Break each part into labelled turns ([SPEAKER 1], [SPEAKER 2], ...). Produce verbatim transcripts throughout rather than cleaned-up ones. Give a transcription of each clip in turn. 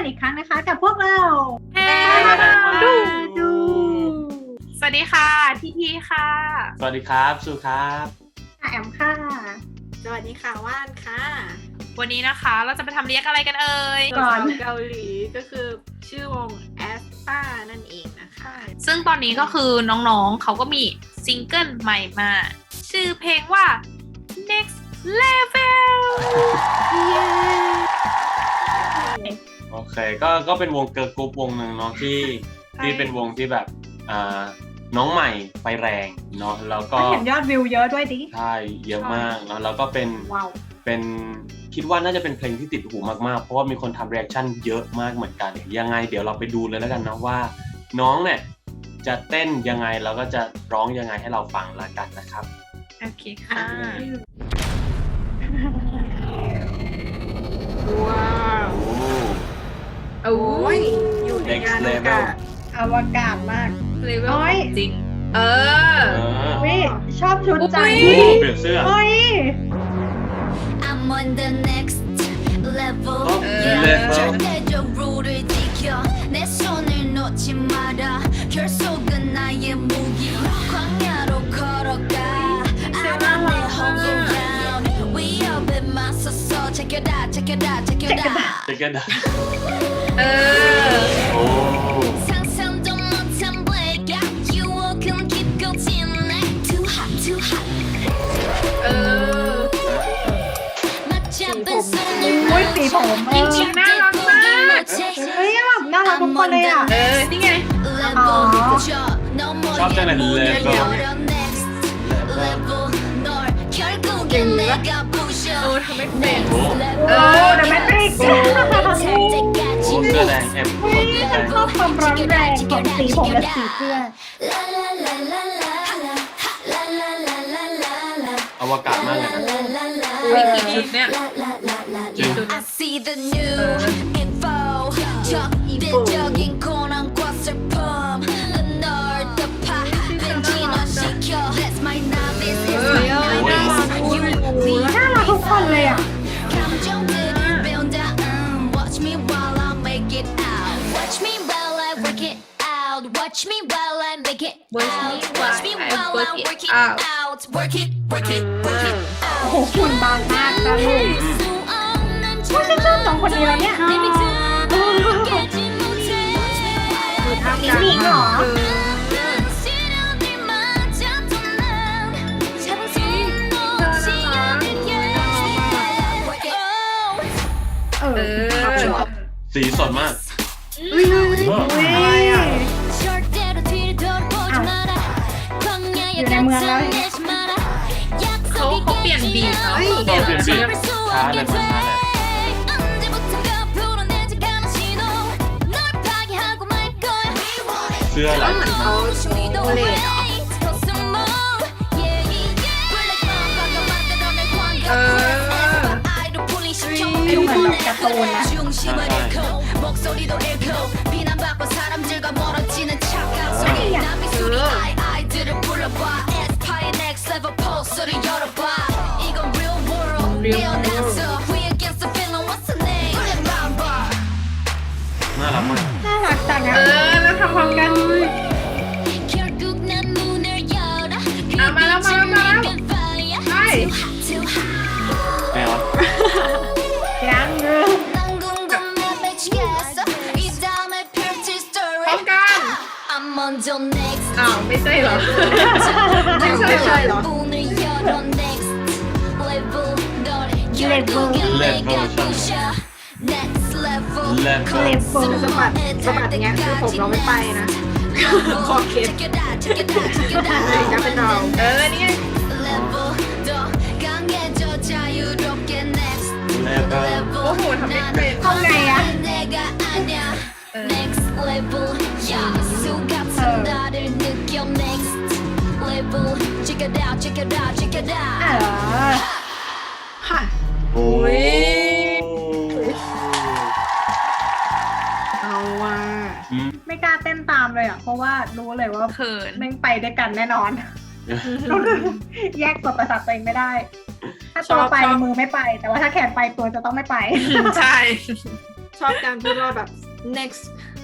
[SPEAKER 1] อีกครั้งนะคะกับพวกเรา
[SPEAKER 2] เฮ้ดูดูสวัสดีค่ะทีทีค่ะ
[SPEAKER 3] สวัสดีครับสุครับ
[SPEAKER 1] แอมค่ะ
[SPEAKER 4] สวัสดีค่ะว่านค่ะ
[SPEAKER 2] วันนี้นะคะเราจะไปทำเรียกอะไรกันเอ่ย
[SPEAKER 4] ก่อนเกาหลีก็คือชื่อวง แอสปา นั่นเองนะคะ
[SPEAKER 2] ซึ่งตอนนี้ก็คือน้องๆเขาก็มีซิงเกิลใหม่มาชื่อเพลงว่า next level
[SPEAKER 3] โอเคก็ก็เป็นวงเกิร์ลกรุ๊ปวงหนึ่งเนาะที่ที่เป็นวงที่แบบอ่าน้องใหม่ไฟแรงเนาะแล้วก็
[SPEAKER 1] เห็นยอดวิวเยอะด้วยดิ
[SPEAKER 3] ใช่เยอะมากเนาะแล้วก็เป็น
[SPEAKER 1] wow.
[SPEAKER 3] เป็นคิดว่าน่าจะเป็นเพลงที่ติดหูมากๆเพราะว่ามีคนทำรีแอคชั่นเยอะมากเหมือนกันยังไงเดี๋ยวเราไปดูเลยแล้วกันนะว่าน้องเนี่ยจะเต้นยังไงแล้วก็จะร้องยังไงให้เราฟังละกันนะครับ
[SPEAKER 2] โอเคค่ะ
[SPEAKER 4] ว้าวโอ้ยอยู่ในงานอวกาศ
[SPEAKER 1] อวกาศมาก
[SPEAKER 2] เลเวลจริงเออ
[SPEAKER 1] วิชอบชุดจัง
[SPEAKER 3] เปลี่ยนเสื้อ
[SPEAKER 1] เฮ้ย
[SPEAKER 5] I'm on the next level 절대적으로를 지켜 내 손을 놓지 마라 결속은 나의 무기 광야로 걸어가 I'm on the hunger ground 위협에 맞서서 check it out check it out check it out
[SPEAKER 3] check it out
[SPEAKER 2] เออ
[SPEAKER 3] โอ้
[SPEAKER 5] 상상도 못한 blackout you can keep going too hot too hot
[SPEAKER 2] เออ
[SPEAKER 1] โอ้ยสีผม
[SPEAKER 2] จริงๆน่ารักมาก
[SPEAKER 1] เฮ้ยแบบน่ารักทุกคนเลยอ่ะ
[SPEAKER 2] เออนี่ไง
[SPEAKER 1] อ๋อ
[SPEAKER 3] ชอบจังเลยเลเวล
[SPEAKER 2] เออทำไม่เป็น
[SPEAKER 1] เออเดอะแมทริกซ์
[SPEAKER 3] เสื้อแดงเอ็ม
[SPEAKER 1] ฉันชอบความร้อนแรงของสีผมและสีเสื้อ
[SPEAKER 3] อวกาศมากเลยนะ
[SPEAKER 2] มีกี่ชุดเนี่ย
[SPEAKER 3] จริง
[SPEAKER 1] น่ารักทุกคนเลยอ่ะ
[SPEAKER 5] Watch me while I make it out Watch me while I work it out Watch me while I make it out Watch me while I work it out Work it, work it, work it
[SPEAKER 1] โอ้โหหุ่นบางมากนะลูกว่าฉันชอบสองคนนี้แล้วเนี่ยมิมิเหรอ
[SPEAKER 2] เออ
[SPEAKER 3] สีสดมาก
[SPEAKER 1] อุ้ยอุ้ยอยู่ในเมืองแล้ว
[SPEAKER 2] เขาเขาเปลี่ยนบีทเนาะ
[SPEAKER 3] เปลี่ยนบีทช้าเลยมันช้าเลยเสื้ออะไร
[SPEAKER 4] เหมือนเขาโอเลดเหรอ
[SPEAKER 2] เออ
[SPEAKER 1] ดูเหมือนแบบการ์ตูนนะ
[SPEAKER 3] น่ารักมาก
[SPEAKER 1] น่ารักจัง
[SPEAKER 2] เออแล้วทำพร้อมกันเอามาแล้วมาแล้วมาแล้วใช่
[SPEAKER 3] ไงวะ
[SPEAKER 1] ยังเงือ
[SPEAKER 2] พร้อมกันอ้าวไม่ใช่เหรอ
[SPEAKER 4] ไม่ใช่ใช่เหรอ
[SPEAKER 1] เลเวล
[SPEAKER 3] เลเวลเลเวล
[SPEAKER 4] สะบัดสะบัดอย่างเงี้ยคือผมเราไม่ไปนะคอเคสจะเป็นเรา
[SPEAKER 2] เออนี่ไงโอ้โหทำไม่เป็น
[SPEAKER 1] เข้าไงอะ
[SPEAKER 4] ค่ะ
[SPEAKER 2] โอ้ย
[SPEAKER 4] เอาว่ะ
[SPEAKER 1] ไม่กล้าเต้นตามเลยอ่ะเพราะว่ารู้เลยว่า
[SPEAKER 2] เขิน
[SPEAKER 1] แม่งไปด้วยกันแน่นอนแยกตัวประสาทตัวเองไม่ได้ถ้าตัวไปมือไม่ไปแต่ว่าถ้าแขนไปตัวจะต้องไม่ไป
[SPEAKER 2] ใช่
[SPEAKER 4] ชอบการพูดว่าแบบ next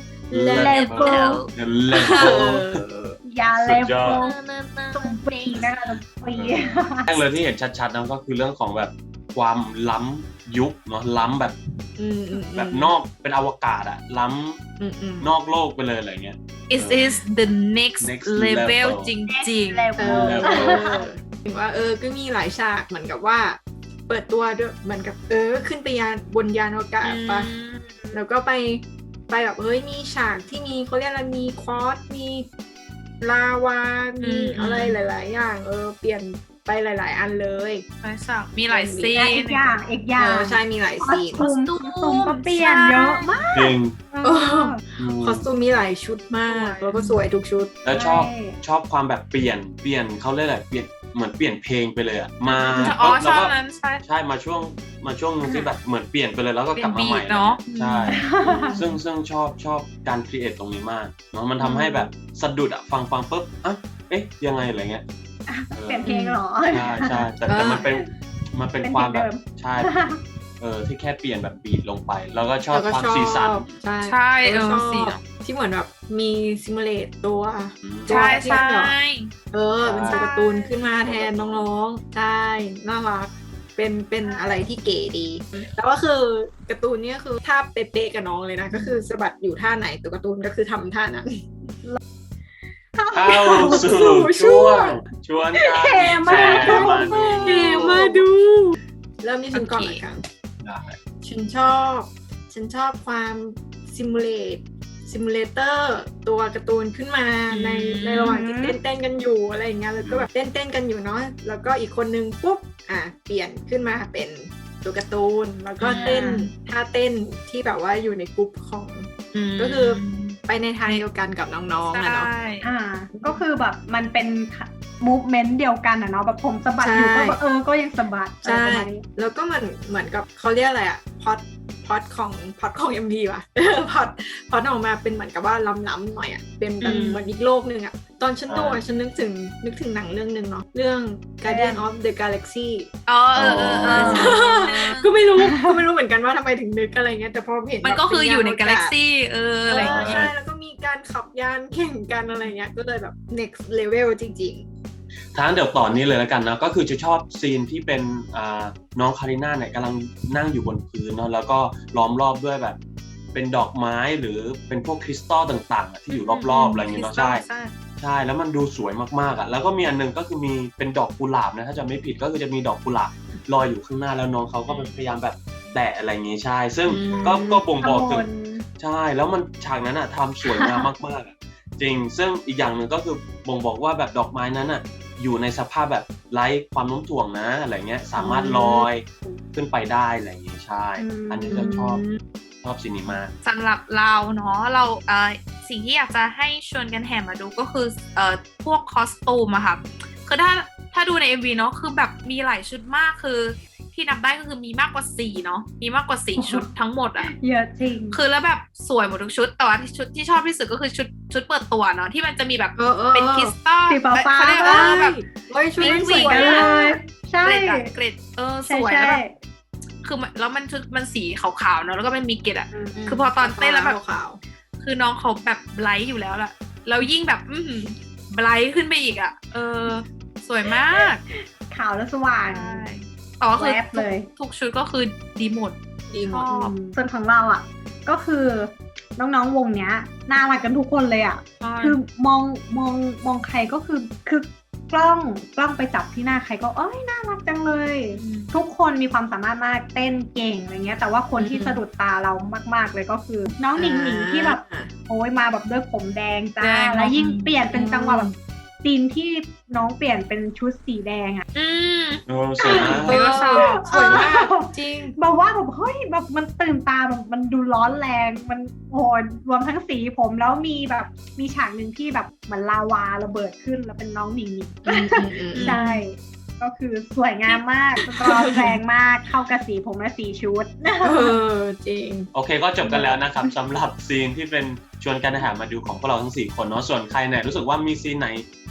[SPEAKER 1] level
[SPEAKER 3] เลเวล
[SPEAKER 1] ยาเล
[SPEAKER 3] สุดยอ
[SPEAKER 1] โฟ
[SPEAKER 3] ด
[SPEAKER 1] ตรงปีนะคะตรงปี
[SPEAKER 3] แรกเลยที่เห็นชัดๆนั่นก็คือเรื่องของแบบความล้ำยุคเนาะล้ำแบบ
[SPEAKER 4] อืมอืม
[SPEAKER 3] แบบนอกเป็นอวกาศอะล้
[SPEAKER 4] อืมอืม
[SPEAKER 3] ำนอกโลกไปเลยอะไรเงี้ย
[SPEAKER 2] it is the next
[SPEAKER 3] Next
[SPEAKER 2] level
[SPEAKER 3] level
[SPEAKER 2] จริง
[SPEAKER 1] เล
[SPEAKER 4] เอ
[SPEAKER 1] เวล
[SPEAKER 4] อถึงว่าเออก็มีหลายฉากเหมือนกับว่า เปิดตัวด้วยเหมือนกับเออขึ้นไปยานบนยานอวกาศ
[SPEAKER 2] ๆ
[SPEAKER 4] ปะ
[SPEAKER 2] อืม
[SPEAKER 4] แล้วก็ไปไปแบบเฮ้ยมีฉากที่มีเขาเรียกอะไรมีคอร์สมีลาวา มีอะไรหลาย ๆ อย่างเออเปลี่ยนไปหลาย ๆ อันเลย
[SPEAKER 2] หลายฉากมีหลายซี
[SPEAKER 1] อี
[SPEAKER 2] น
[SPEAKER 1] กอย่างอีกอ
[SPEAKER 4] เอย่าง อใช่มีหลาย
[SPEAKER 1] คอ
[SPEAKER 4] ซี
[SPEAKER 1] ส
[SPEAKER 4] น
[SPEAKER 1] ตูมคอสตูมก็เปลี่ยนเยอะมาก
[SPEAKER 3] จริง
[SPEAKER 1] เออ
[SPEAKER 3] อืม
[SPEAKER 4] คอสตูมมีหลายชุดมาก แล้วก็สวยทุกชุด
[SPEAKER 3] แล้วชอบ
[SPEAKER 1] ใช่
[SPEAKER 3] ชอบความแบบเปลี่ยนเปลี่ยนเขาเรียกอะไรเปลี่ยนเหมือนเปลี่ยนเพลงไปเลยอะมา
[SPEAKER 2] อ๋อ
[SPEAKER 3] แล้ว
[SPEAKER 2] ชอบ
[SPEAKER 3] ก็
[SPEAKER 2] นั้นใช่
[SPEAKER 3] ใช่มาช่วงมาช่วงนึงที่แบบเหมือนเปลี่ยนไปเลยแล้วก็กลับมาใหม่
[SPEAKER 2] เป็นบีทเนอะ
[SPEAKER 3] ใช่ซึ่งซึ่งชอบชอบการครีเอทตรงนี้มากเนาะมันทำให้แบบสะดุดอะฟังฟังปุ๊บอ่ะเอ๊ะยังไงอะไรเงี้ยออ
[SPEAKER 1] เปลี่ยนเพลงเหรอ
[SPEAKER 3] ใช่ใช่แต่แต่มันเป็นมันเป็น
[SPEAKER 1] เป็น
[SPEAKER 3] ความแบบ
[SPEAKER 1] เพลงเดิม
[SPEAKER 3] ใช่เออที่แค่เปลี่ยนแบบบีทลงไป แล้วก็ชอบ
[SPEAKER 4] แล้วก็
[SPEAKER 3] ความ
[SPEAKER 4] ชอบ
[SPEAKER 3] สีสัน
[SPEAKER 4] ใช่
[SPEAKER 2] ใช่เออ
[SPEAKER 4] แล้วก็ช
[SPEAKER 2] สี
[SPEAKER 4] อบ
[SPEAKER 2] เนอะ
[SPEAKER 4] ที่เหมือนแบบมีซิมูเลตตัว
[SPEAKER 2] ใช่ใช่
[SPEAKER 4] เออเป็นตัวการ์ตูนขึ้นมาแทนน้องๆ ใช่ น่ารัก เป็นเป็นอะไรที่เก๋ดี แต่ว่าคือการ์ตูนเนี้ยคือท่าเป๊ะๆกับน้องเลยนะ ก็คือสะบัดอยู่ท่าไหนตัวการ์ตูนก็คือทำท่านั้น
[SPEAKER 3] เข้าสู่ช่วงชวนกัน
[SPEAKER 1] เท่มาก
[SPEAKER 3] แชร์มาดู
[SPEAKER 4] เก๋มาดู เริ่มที่ฉันก่อน
[SPEAKER 2] โอเค
[SPEAKER 4] ละกัน
[SPEAKER 3] ได้
[SPEAKER 4] ฉันชอบ ฉันชอบความซิมูเลตซิมูเลเตอร์ตัวการ์ตูนขึ้นมาในในระหว่างที่เต้นเต้นๆกันอยู่อะไรอย่างเงี้ยแล้วก็แบบเต้นเต้นๆกันอยู่เนาะแล้วก็อีกคนนึงปุ๊บอ่ะเปลี่ยนขึ้นมาเป็นตัวการ์ตูนแล้วก็เต้นท่าเต้นที่แบบว่าอยู่ในกลุ่มของ
[SPEAKER 2] ม
[SPEAKER 4] ก็คือ ไปในทางเดียวกันกับน้องๆอะเนาะ
[SPEAKER 2] ใช่
[SPEAKER 1] อ่า ก็คือแบบมันเป็นมูฟเมนต์เดียวกันอะเนาะแบบผมสะบัดอยู่
[SPEAKER 4] ใช่
[SPEAKER 1] ก็แบบเออก็ยังสะบัด
[SPEAKER 4] ใช่
[SPEAKER 1] อะไรประมาณนี้
[SPEAKER 4] แล้วก็เหมือนเหมือนกับเขาเรียกอะไรอะพอดพอดของพอดของ เอ็ม วี ว่ะ พอดพอดออกมาเป็นเหมือนกับว่าล้ำๆหน่อยอะเป็นแบบ
[SPEAKER 2] อืม
[SPEAKER 4] เหมือนอีกโลกหนึ่งอะตอนฉันดูอะฉันนึกถึงนึกถึงหนังเรื่องหนึ่งเนาะเรื่อง Guardian of the Galaxy
[SPEAKER 2] อ๋อเออเออเออใช่
[SPEAKER 4] ก็ไม่รู้ก็ไม่รู้เหมือนกันว่าทำไมถึงนึกอะไรเงี้ยแต่พอเห็น
[SPEAKER 2] มันก็คืออยู่ใน
[SPEAKER 4] แบบ
[SPEAKER 2] กา
[SPEAKER 4] เป็
[SPEAKER 2] แล็
[SPEAKER 4] ย
[SPEAKER 2] ก
[SPEAKER 4] น
[SPEAKER 2] ซี่เออ
[SPEAKER 4] เอ
[SPEAKER 2] อะไร
[SPEAKER 4] อ
[SPEAKER 2] อย่างเงี้ย
[SPEAKER 4] ใช่แล้วก็มีการขับยานแข่งกันอะไรเงี้ยก็เลยแบบ next level จริง
[SPEAKER 3] ทางเดี๋ยวต่อนนี้เลยแล้วกันนะก็คือจะชอบซีนที่เป็นอ่าน้องคาริน่าเนี่ยกำลังนั่งอยู่บนพื้นเนาะแล้วก็ล้อมรอบด้วยแบบเป็นดอกไม้หรือเป็นพวกคริสตัลต่างๆอะที่อยู่รอบๆอะไรอย่างเงี้ยเนาะใช่
[SPEAKER 2] ใช่
[SPEAKER 3] ใช่แล้วมันดูสวยมากๆอ่ะแล้วก็มีอันหนึงก็คือมีเป็นดอกกุหลาบนะถ้าจะไม่ผิดก็คือจะมีดอกกุหลาบลอยอยู่ข้างหน้าแล้วน้องเขาก็พยายามแบบแตะอะไรอย่างงี้ใช่ ซึ่ง
[SPEAKER 4] อืม
[SPEAKER 3] ก็ก็บ่งบอกถึ
[SPEAKER 1] ข
[SPEAKER 3] ง
[SPEAKER 1] บวน
[SPEAKER 3] ใช่แล้วมันฉากนั้นอ่ะทำสวยงามมากๆอะจริงซึ่งอีกอย่างหนึ่งก็คือบ่งบอกว่าแบบดอกไม้นั้นอ่ะอยู่ในสภาพแบบไร้ความโน้มถ่วงนะอะไรเงี้ยสามารถลอยขึ้นไปได้อะไรอย่างงี้ใช่ อันนี้จะชอบชอบซีนีมาก
[SPEAKER 2] สำหรับเราเนาะเราเอ่อสิ่งที่อยากจะให้ชวนกันแห่มาดูก็คือเอ่อพวกคอสตูมอะค่ะคือถ้าถ้าดูใน เอ็ม วี เนาะคือแบบมีหลายชุดมากคือที่นับได้ก็คือมีมากกว่าสี่เนาะมีมากกว่าสี่ชุดทั้งหมดอะ
[SPEAKER 1] เยอะจริง
[SPEAKER 2] คือแล้วแบบสวยหมดทุกชุดแต่ว่าที่ชุดที่ชอบที่สุดก็คือชุดชุดเปิดตัวเนาะที่มันจะมีแบบ
[SPEAKER 4] ๆ เออเออ
[SPEAKER 2] เป็นคริสตัล
[SPEAKER 1] สีฟ้าๆ
[SPEAKER 2] เขาเรียก
[SPEAKER 4] เอ
[SPEAKER 2] ว่า
[SPEAKER 4] อ
[SPEAKER 2] แบบ
[SPEAKER 4] เฮ้ยชุดนั้นสวย
[SPEAKER 2] วิ่งๆกัน
[SPEAKER 4] มา
[SPEAKER 2] เล
[SPEAKER 4] ก
[SPEAKER 2] ย
[SPEAKER 1] ใช่
[SPEAKER 2] เกรดอะเกรดเออส
[SPEAKER 1] ใช่
[SPEAKER 2] วย
[SPEAKER 1] ใช่
[SPEAKER 2] แล้วแบบคือมันแล้วมันชุดมันสีขาวๆเนาะแล้วก็มันมีเกรดอะ คือพอตอนเต้นแล้วแบบ
[SPEAKER 4] ขาว
[SPEAKER 2] คือน้องเขาแบบไบรท์อยู่แล้วล่ะแล้วยิ่งแบบอือหือไบรท์ขึ้นไปอีกอ่ะ เออ สวยมาก
[SPEAKER 1] ขาวและสว่าง
[SPEAKER 2] ใช่อ๋อคือ
[SPEAKER 1] แวบเลย
[SPEAKER 2] ทุกชุดก็คือดีหมด
[SPEAKER 4] ดีหมด
[SPEAKER 2] ชอบ
[SPEAKER 1] ส่วนของเราอ่ะ ก็คือน้องๆวงเนี้ยน่ารักกันทุกคนเลยอ่ะ คือมองมองมองใครก็คือคือกล้องกล้องไปจับที่หน้าใครก็เอ้ยน่ารักจังเลย ทุกคนมีความสามารถมากเต้นเก่งอะไรเงี้ยแต่ว่าคนที่
[SPEAKER 4] อืม
[SPEAKER 1] สะดุดตาเรามากๆเลยก็คือ น้องหนิงหนิงที่แบบ
[SPEAKER 4] อ่า
[SPEAKER 1] โอ้ยมาแบบด้วยผมแดงจ้า
[SPEAKER 2] แดง
[SPEAKER 1] แล้วยิ่ง
[SPEAKER 2] อืม
[SPEAKER 1] เปลี่ยนเป็นจังหวะแบบซีนที่น้องเปลี่ยนเป็นชุดสีแดงอ่ะ
[SPEAKER 2] อืม
[SPEAKER 3] โอ้สวยมาก
[SPEAKER 4] เออสวยมากจริง
[SPEAKER 1] แบบว่าแบบเฮ้ยแบบมันตื่นตาแบบมันดูร้อนแรงมันโอ้ยรวมทั้งสีผมแล้วมีแบบมีฉากหนึ่งที่แบบเหมือนลาวาระเบิดขึ้นแล้วเป็นน้องหนิงหนิง ใช่ ก็คือสวยงามมากร้อนแรงมากเข้ากับสีผมและสีชุด
[SPEAKER 4] เออจริง
[SPEAKER 3] โอเคก็จบกันแล้วนะครับสำหรับซีนที่เป็นชวนกันหามาดูของพวกเราทั้งสี่คนเนาะส่วนใครเนี่ยรู้สึกว่ามีซีนไหน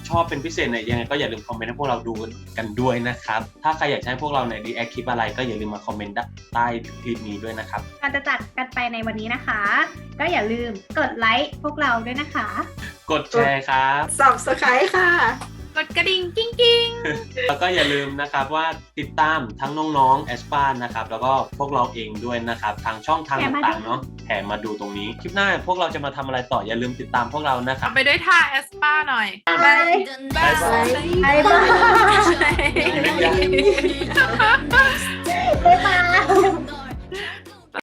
[SPEAKER 3] ชอบเป็นพิเศษเนี่ยยังไงก็อย่าลืมคอมเมนต์ให้พวกเราดูกันด้วยนะครับถ้าใครอยากให้พวกเราในรีแอคคลิปอะไรก็อย่าลืมมาคอมเมนต์ใต้คลิปนี้ด้วยนะครับ
[SPEAKER 1] ก่อนจะจัดกันไปในวันนี้นะคะ ก็อย่าลืมกดไลค์พวกเราด้วยนะคะ
[SPEAKER 3] กดแชร์ครับ
[SPEAKER 4] Subscribe ค่ะ
[SPEAKER 2] กดกระดิ่งกิ้งกิ้ง
[SPEAKER 3] แล้วก็อย่าลืมนะครับว่าติดตามทั้งน้องๆแอสปานะครับแล้วก็พวกเราเองด้วยนะครับทางช่องทางต่างๆเนาะแถมมาดูตรงนี้คลิปหน้าพวกเราจะมาทำอะไรต่ออย่าลืมติดตามพวกเรานะครับ
[SPEAKER 2] เอาไปด้วยท่าแอสปาหน่อย
[SPEAKER 1] บาย
[SPEAKER 5] bye.
[SPEAKER 1] บายบาย
[SPEAKER 5] bye.
[SPEAKER 1] บ๊ายบาย